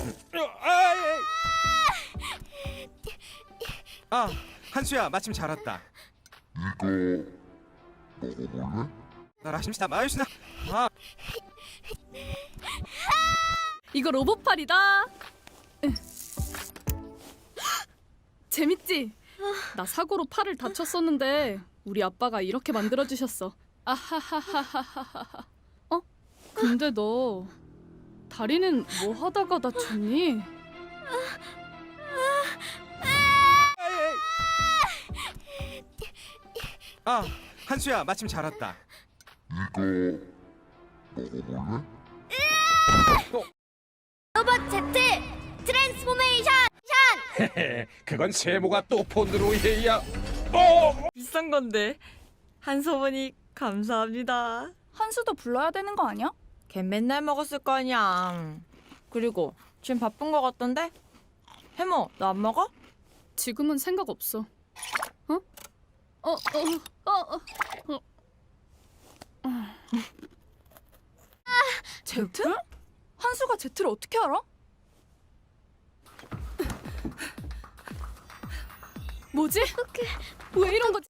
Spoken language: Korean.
아, 한수야, 마침 잘 왔다. 이거 먹어볼래? 나라 심시다 마요시나. 아, 이거 로봇팔이다. 재밌지? 나 사고로 팔을 다쳤었는데 우리 아빠가 이렇게 만들어주셨어. 아하하하하하하. 어? 근데 너 다리는 뭐 하다가 다쳤니? 아, 한수야, 마침 잘 왔다. 이거 먹어볼래? 로봇 Z 트랜스포메이션. 그건 세모가 또 폰으로 해야. 비싼 건데. 한서머니 감사합니다. 한수도 불러야 되는 거 아니야? 걔 맨날 먹었을 거 아니야. 그리고 지금 바쁜 거 같던데? 해모, 너 안 먹어? 지금은 생각 없어. 어? 제트? 한수가 제트를 어떻게 알아? 뭐지? 왜 이런 거지?